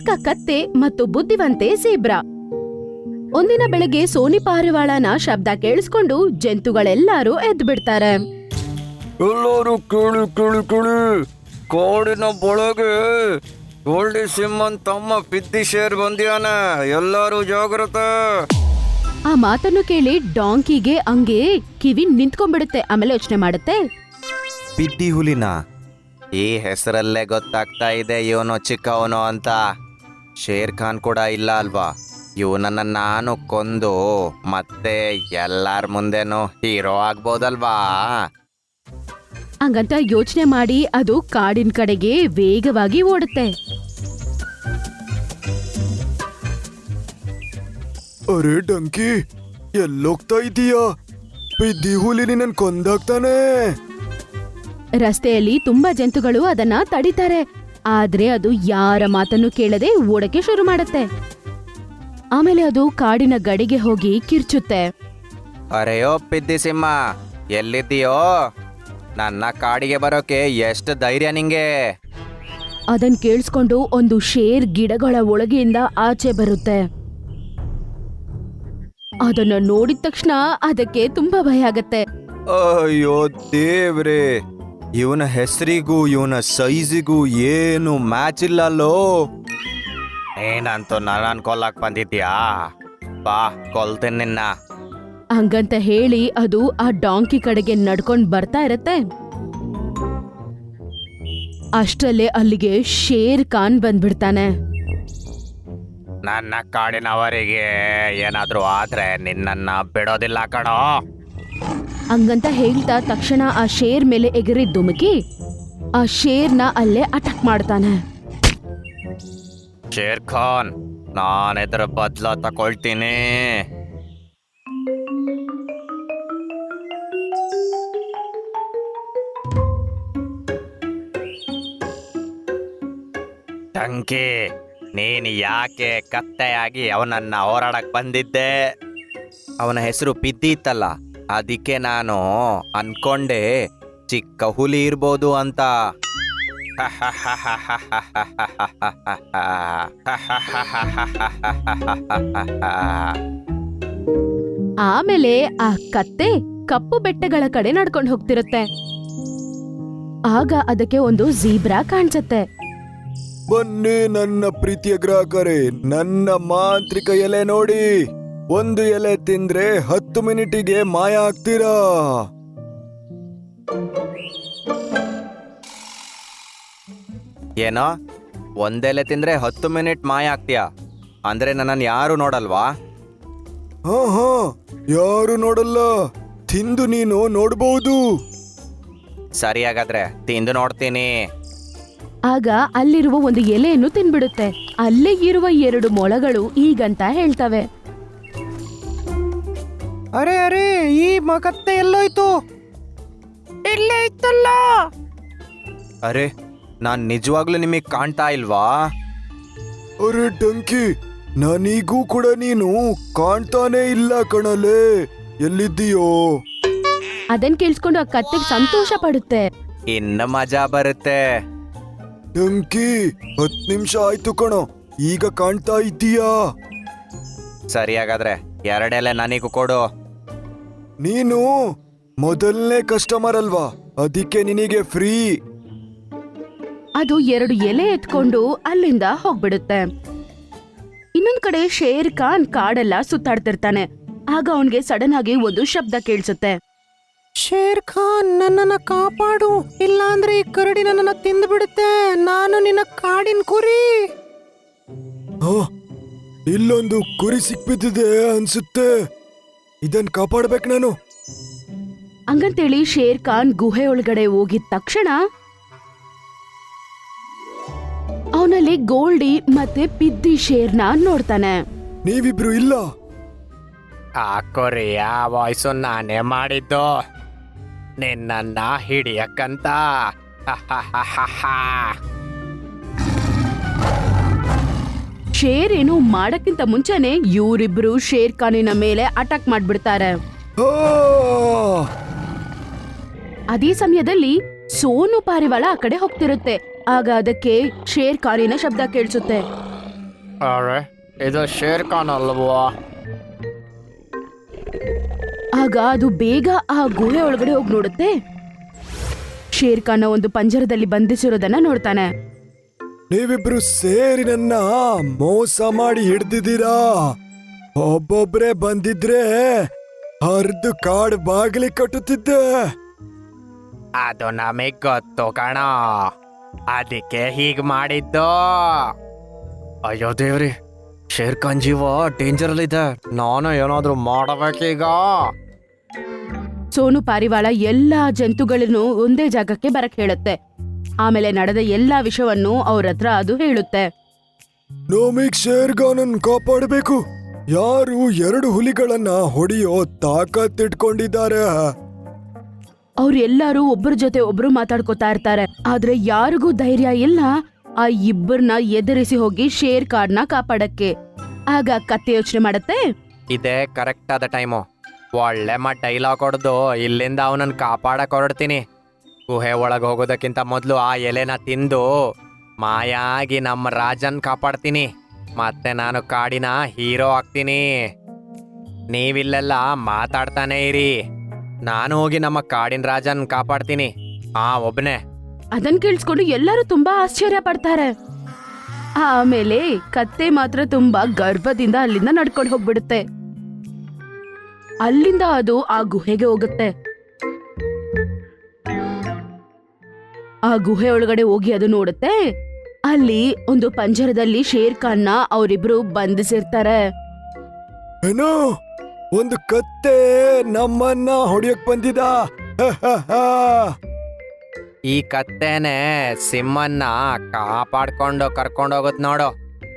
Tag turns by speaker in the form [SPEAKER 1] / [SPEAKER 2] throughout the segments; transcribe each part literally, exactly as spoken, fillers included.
[SPEAKER 1] ಚಾಲಾಕ ಕತ್ತೆ ಮತ್ತು ಬುದ್ಧಿವಂತೆ ಜೀಬ್ರಾ. ಒಂದಿನ ಬೆಳಗ್ಗೆ ಸೋನಿ ಪಾರಿವಾಳನ ಶಬ್ದ ಕೇಳಿಸ್ಕೊಂಡು ಜಂತುಗಳೆಲ್ಲರೂ ಎದ್ದು ಬಿಡ್ತಾರೆ.
[SPEAKER 2] ಎಲ್ಲರೂ ಕೇಳಿ ಕೇಳಿ ಕೇಳಿ, ಕಾಡಿನ ಒಳಗೆ ಗೋಲ್ಡಿ ಸಿಂಹನ್ ತಮ್ಮ ಪಿದ್ದಿ ಶೇರ್ ಬಂದಿಯಾನ, ಎಲ್ಲರೂ ಜಾಗ್ರತೆ.
[SPEAKER 1] ಆ ಮಾತನ್ನು ಕೇಳಿ ಡಾಂಕಿಗೆ ಹಂಗೆ ಕಿವಿ ನಿಂತ್ಕೊಂಡ್ಬಿಡುತ್ತೆ. ಆಮೇಲೆ ಯೋಚನೆ ಮಾಡುತ್ತೆ,
[SPEAKER 2] ಪಿದ್ದಿ ಹುಲಿನ ಈ ಹೆಸರಲ್ಲೇ ಗೊತ್ತಾಗ್ತಾ ಇದೆ ಇವನು ಚಿಕ್ಕವನು ಅಂತ. ಶೇರ್ ಖಾನ್ ಕೂಡ ಇಲ್ಲ ಅಲ್ವಾ, ಇವನನ್ನ ನಾನು ಕೊಂದು ಮತ್ತೆ ಎಲ್ಲಾರ ಮುಂದೆನೂ ಹೀರೋ ಆಗ್ಬೋದಲ್ವಾ.
[SPEAKER 1] ಹಂಗಂತ ಯೋಚನೆ ಮಾಡಿ ಅದು ಕಾಡಿನ ಕಡೆಗೆ ವೇಗವಾಗಿ ಓಡುತ್ತೆ.
[SPEAKER 3] ಅರೆ ಡಂಕಿ, ಎಲ್ಲೋಗ್ತಾ ಇದೀಯಾ? ಪಿದ್ದಿ ಹುಲಿ ನಿನ್ನ ಕೊಂದಾಗ್ತಾನೆ.
[SPEAKER 1] ರಸ್ತೆಯಲ್ಲಿ ತುಂಬಾ ಜಂತುಗಳು ಅದನ್ನ ತಡಿತಾರೆ, ಆದ್ರೆ ಅದು ಯಾರ ಮಾತನ್ನು ಕೇಳದೆ ಓಡಕ್ಕೆ ಶುರು ಮಾಡುತ್ತೆ. ಆಮೇಲೆ ಅದು ಕಾಡಿನ ಗಡಿಗೆ ಹೋಗಿ ಕಿರ್ಚುತ್ತೆ.
[SPEAKER 2] ಅರೆಯೋ ಪಿದ್ದಿ ಸಿಂಹ, ಎಲ್ಲಿದ್ದೀಯೋ? ನನ್ನ ಕಾಡಿಗೆ ಬರೋಕೆ ಎಷ್ಟು ಧೈರ್ಯ ನಿಂಗೆ?
[SPEAKER 1] ಅದನ್ ಕೇಳಿಸ್ಕೊಂಡು ಒಂದು ಶೇರ್ ಗಿಡಗಳ ಒಳಗೆಯಿಂದ ಆಚೆ ಬರುತ್ತೆ. ಅದನ್ನ ನೋಡಿದ ತಕ್ಷಣ ಅದಕ್ಕೆ ತುಂಬಾ ಭಯ ಆಗತ್ತೆ.
[SPEAKER 2] ಅಯ್ಯೋ ದೇವ್ರೆ, ಇವನ ಹೆಸರಿಗೂ ಇವನ ಸೈಜಿಗೂ ಏನು ಮ್ಯಾಚ್ ಇಲ್ಲಲ್ಲೋ. ಏನಂತೂ ನಾನು ಕೊಲ್ಲಕ್ ಬಂದಿದ್ಯಾ? ಬಾ, ಕೊಲ್ತೇನೆ ನಿನ್ನ.
[SPEAKER 1] ಹಂಗಂತ ಹೇಳಿ ಅದು ಆ ಡಾಂಕಿ ಕಡೆಗೆ ನಡ್ಕೊಂಡ್ ಬರ್ತಾ ಇರತ್ತೆ. ಅಷ್ಟರಲ್ಲೇ ಅಲ್ಲಿಗೆ ಶೇರ್ ಖಾನ್ ಬಂದ್ಬಿಡ್ತಾನೆ.
[SPEAKER 2] ನನ್ನ ಕಾಡಿನವರಿಗೆ ಏನಾದ್ರೂ ಆದ್ರೆ ನಿನ್ನನ್ನ ಬಿಡೋದಿಲ್ಲ ಕಣೋ.
[SPEAKER 1] ಹಂಗಂತ ಹೇಳ್ತಾ ತಕ್ಷಣ ಆ ಶೇರ್ ಮೇಲೆ ಎಗರಿ ಧುಮುಕಿ ಆ ಶೇರ್ನ ಅಲ್ಲೇ ಅಟ್ಯಾಕ್ ಮಾಡ್ತಾನೆ.
[SPEAKER 2] ಶೇರ್ ಖಾನ್, ನಾನು ಇದರ ಬದ್ಲ ತಕೊಳ್ತೀನಿ. ಟಂಕಿ, ನೀನು ಯಾಕೆ ಕತ್ತೆಯಾಗಿ ಅವನನ್ನ ಹೋರಾಡಕ್ ಬಂದಿದ್ದೆ? ಅವನ ಹೆಸರು ಪಿದ್ದಿ ಇತ್ತಲ್ಲ, ಅದಕ್ಕೆ ನಾನು ಅನ್ಕೊಂಡೆ ಚಿಕ್ಕ ಹುಲಿ ಇರ್ಬೋದು ಅಂತ.
[SPEAKER 1] ಆಮೇಲೆ ಆ ಕತ್ತೆ ಕಪ್ಪು ಬೆಟ್ಟಗಳ ಕಡೆ ನಡ್ಕೊಂಡು ಹೋಗ್ತಿರುತ್ತೆ. ಆಗ ಅದಕ್ಕೆ ಒಂದು ಜೀಬ್ರಾ ಕಾಣಿಸುತ್ತೆ.
[SPEAKER 3] ಬನ್ನಿ ನನ್ನ ಪ್ರೀತಿಯ ಗ್ರಾಹಕರೇ, ನನ್ನ ಮಾಂತ್ರಿಕ ಎಲೆ ನೋಡಿ. ಒಂದು ಎಲೆ ತಿಂದ್ರೆ ಹತ್ತು ಮಿನಿಟಿಗೆ ಮಾಯ ಆಗ್ತೀರಾ.
[SPEAKER 2] ಏನೋ ಒಂದೆಲೆ ತಿಂದ್ರೆ ಹತ್ತು ಮಿನಿಟ್ ಮಾಯ ಆಗ್ತೀಯಾ? ಅಂದ್ರೆ ನನ್ನನ್ನು ಯಾರು ನೋಡಲ್ವಾ?
[SPEAKER 3] ಹಾ ಹಾ, ಯಾರು ನೋಡಲ್ಲ, ತಿಂದು ನೀನು ನೋಡ್ಬಹುದು.
[SPEAKER 2] ಸರಿ, ಹಾಗಾದ್ರೆ ತಿಂದು ನೋಡ್ತೀನಿ.
[SPEAKER 1] ಆಗ ಅಲ್ಲಿರುವ ಒಂದು ಎಲೆಯನ್ನು ತಿನ್ಬಿಡುತ್ತೆ. ಅಲ್ಲೇ ಇರುವ ಎರಡು ಮೊಳಗಳು ಈಗಂತ ಹೇಳ್ತವೆ,
[SPEAKER 2] ಅರೆ ಅರೆ, ಈ ಮಕತ್ತೆ ಎಲ್ಲೋಯ್ತು? ಇಲ್ಲೇ ಇತ್ತಲ್ಲ. ಅರೆ, ನಾನ್ ನಿಜವಾಗ್ಲೂ ನಿಮಗ್ ಕಾಣ್ತಾ ಇಲ್ವಾ?
[SPEAKER 3] ಅರೆ ಡಂಕಿ, ನನಗೂ ಕೂಡ ನೀನು ಕಾಣ್ತಾನೆ ಇಲ್ಲ ಕಣಲೆ. ಎಲ್ಲಿದ್ದೀಯೋ?
[SPEAKER 1] ಅದನ್ ಕೇಳಿಸ್ಕೊಂಡು ಆ ಕತ್ತೆಗೆ ಸಂತೋಷ ಪಡುತ್ತೆ.
[SPEAKER 2] ಇನ್ನು ಮಜಾ ಬರುತ್ತೆ.
[SPEAKER 3] ಡಂಕಿ, ಹತ್ ನಿಮಿಷ ಆಯ್ತು ಕಣೋ, ಈಗ ಕಾಣ್ತಾ ಇದ್ದೀಯಾ?
[SPEAKER 2] ಸರಿ, ಹಾಗಾದ್ರೆ ಎರಡೆಲೆ ನನಗೂ ಕೊಡು.
[SPEAKER 3] ನೀನು ಮೊದಲನೇ ಕಸ್ಟಮರ್ ಅಲ್ವಾ, ಅದಕ್ಕೆ ನಿನಗೆ ಫ್ರೀ.
[SPEAKER 1] ಅದು ಎರಡು ಎಲೆ ಎತ್ಕೊಂಡು ಅಲ್ಲಿಂದ ಹೋಗ್ಬಿಡುತ್ತೆ. ಇನ್ನೊಂದ್ ಕಡೆ ಶೇರ್ ಖಾನ್ ಕಾಡೆಲ್ಲ ಸುತ್ತಾಡ್ತಿರ್ತಾನೆ. ಆಗ ಅವನ್ಗೆ ಸಡನ್ ಆಗಿ ಒಂದು ಶಬ್ದ ಕೇಳಿಸುತ್ತೆ.
[SPEAKER 2] ಶೇರ್ ಖಾನ್, ನನ್ನನ್ನ ಕಾಪಾಡು, ಇಲ್ಲಾಂದ್ರೆ ಈ ಕರಡಿ ನನ್ನನ್ನ ತಿಂದು ಬಿಡುತ್ತೆ. ನಾನು ನಿನ್ನ ಕಾಡಿನ ಕುರಿ.
[SPEAKER 3] ಹಾ, ಇಲ್ಲೊಂದು ಕುರಿ ಸಿಕ್ಬಿದ್ದಿದೆ ಅನ್ಸುತ್ತೆ, ಇದನ್ ಕಾಪಾಡ್ಬೇಕು ನಾನು.
[SPEAKER 1] ಹಂಗಂತೇಳಿ ಶೇರ್ ಖಾನ್ ಗುಹೆ ಒಳಗಡೆ ಹೋಗಿದ ತಕ್ಷಣ ಅವನಲ್ಲಿ ಗೋಲ್ಡಿ ಮತ್ತೆ ಪಿದ್ದಿ ಶೇರ್ನ ನೋಡ್ತಾನೆ.
[SPEAKER 3] ನೀವಿಬ್ರು ಇಲ್ಲ?
[SPEAKER 2] ಆ ಕೊರಿಯ ವಾಯ್ಸು ನಾನೇ ಮಾಡಿದ್ದು, ನಿನ್ನನ್ನ ಹಿಡಿಯಕ್ಕಂತ.
[SPEAKER 1] ಶೇರ್ ಏನು ಮಾಡಕ್ಕಿಂತ ಮುಂಚೆನೆ ಇವರಿಬ್ರು ಶೇರ್ ಖಾನಿನ ಮೇಲೆ ಅಟ್ಯಾಕ್ ಮಾಡ್ಬಿಡ್ತಾರೆ.
[SPEAKER 3] ಆ!
[SPEAKER 1] ಅದೇ ಸಮಯದಲ್ಲಿ ಸೋನು ಪಾರಿವಾಳ ಆ ಕಡೆ ಹೋಗ್ತಿರುತ್ತೆ. ಆಗ ಅದಕ್ಕೆ ಶೇರ್ ಖಾನಿನ ಶಬ್ದ ಕೇಳಿಸುತ್ತೆ.
[SPEAKER 4] ಅರೆ ಇದು ಶೇರ್ ಖಾನ್ ಅಲ್ವಾ?
[SPEAKER 1] ಆಗ ಅದು ಬೇಗ ಆ ಗುಹೆ ಒಳಗಡೆ ಹೋಗಿ ನೋಡುತ್ತೆ. ಶೇರ್ ಖಾನ್ ಒಂದು ಪಂಜರದಲ್ಲಿ ಬಂಧಿಸಿರೋದನ್ನ ನೋಡ್ತಾನೆ.
[SPEAKER 3] ನೀವಿಬ್ರು ಸೇರಿ ನನ್ನ ಮೋಸ ಮಾಡಿ ಹಿಡ್ದಿದ್ದೀರಾ. ಒಬ್ಬೊಬ್ರೆ ಬಂದಿದ್ರೆ ಹರ್ದು ಕಾಡ್ ಬಾಗಿಲಿ ಕಟ್ಟುತ್ತಿದ್ದೆ.
[SPEAKER 4] ಅದು ನಮಗ್ ಗೊತ್ತು ಕಣ, ಅದಕ್ಕೆ ಹೀಗ್ ಮಾಡಿದ್ದು. ಅಯ್ಯೋ ದೇವ್ರಿ, ಶೇರ್ ಖಾನ್ ಜೀವ ಡೇಂಜರ್ ಅಲ್ಲಿ ಇದೆ. ನಾನು ಏನಾದ್ರೂ ಮಾಡಬೇಕೀಗ.
[SPEAKER 1] ಸೋನು ಪಾರಿವಾಳ ಎಲ್ಲಾ ಜಂತುಗಳನ್ನು ಒಂದೇ ಜಾಗಕ್ಕೆ ಬರಕ್ ಹೇಳುತ್ತೆ. ಆಮೇಲೆ ನಡೆದ ಎಲ್ಲಾ ವಿಷಯವನ್ನು ಅವ್ರ ಹತ್ರ ಅದು ಹೇಳುತ್ತೆ.
[SPEAKER 3] ನಮಿಗ್ ಶೇರ್ಖಾನನ್ ಕಾಪಾಡಬೇಕು. ಯಾರು ಎರಡು ಹುಲಿಗಳನ್ನ ಹೊಡೆಯೋ ತಾಕತ್ತಿಟ್ಕೊಂಡಿದ್ದಾರೆ.
[SPEAKER 1] ಅವ್ರೆಲ್ಲಾರು ಒಬ್ಬರ ಜೊತೆ ಒಬ್ರು ಮಾತಾಡ್ಕೋತಾ ಇರ್ತಾರೆ. ಆದ್ರೆ ಯಾರಿಗೂ ಧೈರ್ಯ ಇಲ್ಲ ಆ ಇಬ್ಬರನ್ನ ಎದುರಿಸಿ ಹೋಗಿ ಶೇರ್ ಖಾನ್ನ ಕಾಪಾಡಕ್ಕೆ. ಆಗ ಕತ್ತೆ ಯೋಚನೆ ಮಾಡತ್ತೆ.
[SPEAKER 4] ಇದೇ ಕರೆಕ್ಟ್ ಆದ ಟೈಮು. ಒಳ್ಳೆ ಮಟ್ ಡೈಲಾಗ್ ಹೊಡೆದು ಇಲ್ಲಿಂದ ಅವನನ್ನ ಕಾಪಾಡಕ್ ಹೊರಡ್ತೀನಿ. ಗುಹೆ ಒಳಗೆ ಹೋಗೋದಕ್ಕಿಂತ ಮೊದಲು ಆ ಎಲೆನ ತಿಂದು ಮಾಯಾಗಿ ನಮ್ಮ ರಾಜನ್ ಕಾಪಾಡ್ತೀನಿ. ಮತ್ತೆ ನಾನು ಕಾಡಿನ ಹೀರೋ ಆಗ್ತೀನಿ. ನೀವಿಲ್ಲೆಲ್ಲ ಮಾತಾಡ್ತಾನೆ ಇರಿ, ನಾನು ಹೋಗಿ ನಮ್ಮ ಕಾಡಿನ ರಾಜನ್ ಕಾಪಾಡ್ತೀನಿ. ಹಾ ಒಬ್ನೇ.
[SPEAKER 1] ಅದನ್ ಕೇಳಿಸ್ಕೊಂಡು ಎಲ್ಲರೂ ತುಂಬಾ ಆಶ್ಚರ್ಯ ಪಡ್ತಾರೆ. ಆಮೇಲೆ ಕತ್ತೆ ಮಾತ್ರ ತುಂಬಾ ಗರ್ಭದಿಂದ ಅಲ್ಲಿಂದ ನಡ್ಕೊಂಡು ಹೋಗ್ಬಿಡುತ್ತೆ. ಅಲ್ಲಿಂದ ಅದು ಆ ಗುಹೆಗೆ ಹೋಗುತ್ತೆ. ಆ ಗುಹೆ ಒಳಗಡೆ ಹೋಗಿ ಅದು ನೋಡುತ್ತೆ. ಅಲ್ಲಿ ಒಂದು ಪಂಜರದಲ್ಲಿ ಶೇರ್ ಖಾನ್ನ ಅವರಿಬ್ರು ಬಂಧಿಸಿರ್ತಾರೆ.
[SPEAKER 3] ಏನೋ ಒಂದು ಕತ್ತೆ ನಮ್ಮನ್ನ ಹೊಡಿಯಕ್ ಬಂದಿದ.
[SPEAKER 4] ಈ ಕತ್ತೆನೆ ಸಿಂಹನ್ನ ಕಾಪಾಡ್ಕೊಂಡು ಕರ್ಕೊಂಡೋಗುತ್ ನೋಡು.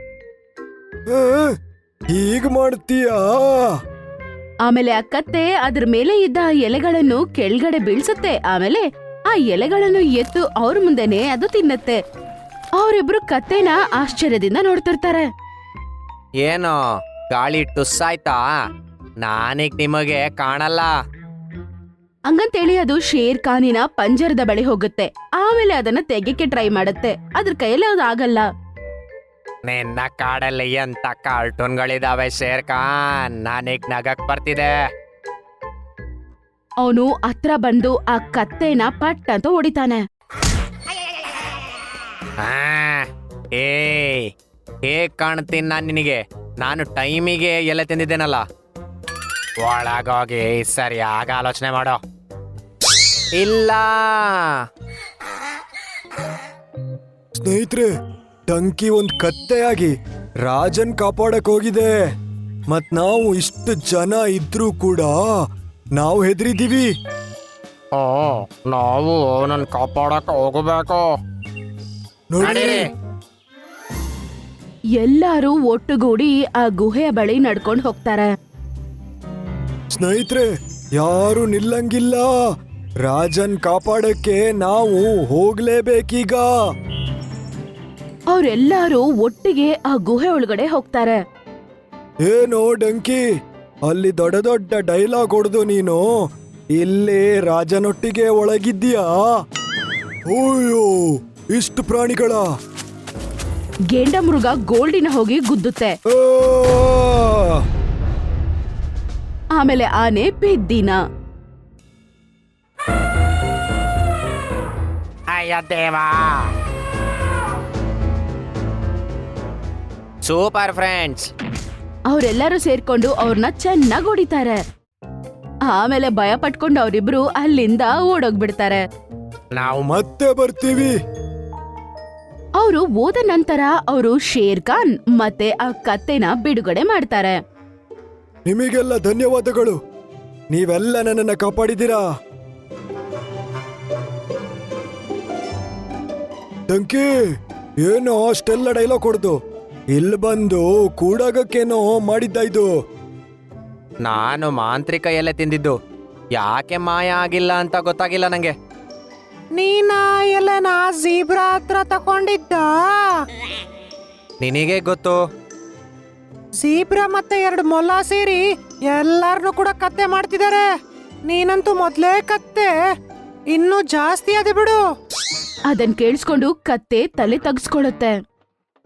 [SPEAKER 3] ಹೀಗ್ ಮಾಡ್ತೀಯಾ?
[SPEAKER 1] ಆಮೇಲೆ ಆ ಕತ್ತೆ ಅದ್ರ ಮೇಲೆ ಇದ್ದ ಎಲೆಗಳನ್ನು ಕೆಳಗಡೆ ಬೀಳ್ಸುತ್ತೆ. ಆಮೇಲೆ ಆ ಎಲೆಗಳನ್ನು ಎತ್ತು ಅವ್ರ ಮುಂದೆನೆ ಅದು ತಿನ್ನತ್ತೆ. ಅವರಿಬ್ರು ಕತ್ತೆನ ಆಶ್ಚರ್ಯದಿಂದ ನೋಡ್ತಿರ್ತಾರೆ.
[SPEAKER 4] ಏನು ಗಾಳಿ ಟುಸ್ಸಾಯ್ತಾ? ನಾನೀಗ ನಿಮಗೆ ಕಾಣಲ್ಲ.
[SPEAKER 1] ಹಂಗಂತೇಳಿ ಅದು ಶೇರ್ ಖಾನಿನ ಪಂಜರದ ಬಳಿ ಹೋಗುತ್ತೆ. ಆಮೇಲೆ ಅದನ್ನ ತೆಗೆಕ್ಕೆ ಟ್ರೈ ಮಾಡುತ್ತೆ. ಅದ್ರ ಕೈಯಲ್ಲಿ ಅದು ಆಗಲ್ಲ.
[SPEAKER 4] ನಿನ್ನ ಕಾಡಲ್ಲಿ ಎಂತ ಕಾರ್ಟೂನ್ಗಳಿದಾವೆ ಶೇರ್ ಖಾನ್, ನಾನೀಗ ನಗಕ್ ಬರ್ತಿದೆ.
[SPEAKER 1] ಅವನು ಹತ್ರ ಬಂದು ಆ ಕತ್ತೆನ ಪಟ್ ಅಂತ ಹೊಡಿತಾನೆ.
[SPEAKER 4] ಆ, ಏ ಹೇಗ್ ಕಾಣ್ತೀನಿ ನಾನು ನಿನಗೆ? ನಾನು ಟೈಮಿಗೆ ಎಲೆ ತಿಂದಿದ್ದೇನಲ್ಲ. ಒಳಗೋಗಿ ಸರಿಯಾಗಿ ಆಲೋಚನೆ ಮಾಡೋ. ಇಲ್ಲ
[SPEAKER 3] ಸ್ನೇಹಿತರೆ, ಟಂಕಿ ಒಂದ್ ಕತ್ತೆಯಾಗಿ ರಾಜನ್ ಕಾಪಾಡಕ್ ಹೋಗಿದೆ. ಮತ್ ನಾವು ಇಷ್ಟು ಜನ ಇದ್ರೂ ಕೂಡ ನಾವು ಹೆದರಿದೀವಿ.
[SPEAKER 4] ಓ, ನಾವು ಅವನನ್ನ ಕಾಪಾಡಕ್ ಹೋಗಬೇಕು.
[SPEAKER 3] ನೋಡಿ,
[SPEAKER 1] ಎಲ್ಲಾರು ಒಟ್ಟುಗೂಡಿ ಆ ಗುಹೆಯ ಬಳಿ ನಡ್ಕೊಂಡು ಹೋಗ್ತಾರೆ.
[SPEAKER 3] ಸ್ನೇಹಿತರೆ, ಯಾರು ನಿಲ್ಲಂಗಿಲ್ಲ. ರಾಜನ್ ಕಾಪಾಡಕ್ಕೆ ನಾವು ಹೋಗ್ಲೇಬೇಕೀಗ.
[SPEAKER 1] ಅವ್ರೆಲ್ಲಾರು ಒಟ್ಟಿಗೆ ಆ ಗುಹೆ ಒಳಗಡೆ ಹೋಗ್ತಾರೆ.
[SPEAKER 3] ಏನೋ ಡಂಕಿ, ಅಲ್ಲಿ ದೊಡ್ಡ ದೊಡ್ಡ ಡೈಲಾಗ್ ಹೊಡೆದು ನೀನು ಇಲ್ಲಿ ರಾಜನೊಟ್ಟಿಗೆ ಒಳಗಿದ್ದೀಯಾ? ಓಯ್ಯೋ, ಇಷ್ಟು ಪ್ರಾಣಿಗಳ!
[SPEAKER 1] ಗೇಂಡ ಮೃಗ ಗೋಲ್ಡಿನ ಹೋಗಿ ಗುದ್ದುತ್ತೆ.
[SPEAKER 3] ಆ!
[SPEAKER 1] ಆಮೇಲೆ ಆನೆ ಬಿದ್ದಿನ.
[SPEAKER 4] ಅಯ್ಯ ದೇವಾ, ಸೂಪರ್ ಫ್ರೆಂಡ್ಸ್.
[SPEAKER 1] ಅವರೆಲ್ಲರೂ ಸೇರ್ಕೊಂಡು ಅವ್ರನ್ನ ಚೆನ್ನಾಗಿ ಹೊಡಿತಾರೆ. ಆಮೇಲೆ ಭಯ ಪಟ್ಕೊಂಡು ಅವರಿಬ್ರು ಅಲ್ಲಿಂದ ಓಡೋಗ್ಬಿಡ್ತಾರೆ.
[SPEAKER 4] ನಾವು
[SPEAKER 3] ಮತ್ತೆ ಬರ್ತೀವಿ.
[SPEAKER 1] ಅವರು ಹೋದ ನಂತರ ಅವರು ಶೇರ್ ಖಾನ್ ಮತ್ತೆ ಆ ಕತ್ತೆನ ಬಿಡುಗಡೆ ಮಾಡ್ತಾರೆ.
[SPEAKER 3] ನಿಮಗೆಲ್ಲ ಧನ್ಯವಾದಗಳು. ನೀವೆಲ್ಲ ನನ್ನನ್ನ ಕಾಪಾಡಿದ್ದೀರಾ. ಡಂಕಿ, ಏನೋ ಅಷ್ಟೆಲ್ಲ ಡೈಲಾಗ್ ಹೊಡೆದು ಇಲ್ಲಿ ಬಂದು ಕೂಡಾಗಕ್ಕೇನೋ ಮಾಡಿದ್ದ ಇದು.
[SPEAKER 4] ನಾನು ಮಾಂತ್ರಿಕ ಎಲೆ ತಿಂದಿದ್ದು ಯಾಕೆ ಮಾಯ ಆಗಿಲ್ಲ ಅಂತ ಗೊತ್ತಾಗಿಲ್ಲ ನಂಗೆ. ನೀನ ಎಲೆನ ಜೀಬ್ರಾ ಹತ್ರ ತಗೊಂಡಿದ್ದ? ನಿನಗೆ ಗೊತ್ತು? ಜೀಬ್ರಾ ಮತ್ತೆ ಎರಡು ಮೊಲ ಸೇರಿ ಎಲ್ಲಾರನು ಕೂಡ ಕತ್ತೆ ಮಾಡ್ತಿದ್ದಾರೆ. ನೀನಂತೂ ಮೊದ್ಲೇ ಕತ್ತೆ, ಇನ್ನೂ ಜಾಸ್ತಿ ಅದೇ ಬಿಡು.
[SPEAKER 1] ಅದನ್ ಕೇಳಿಸ್ಕೊಂಡು ಕತ್ತೆ ತಲೆ ತಗ್ಸ್ಕೊಳುತ್ತೆ.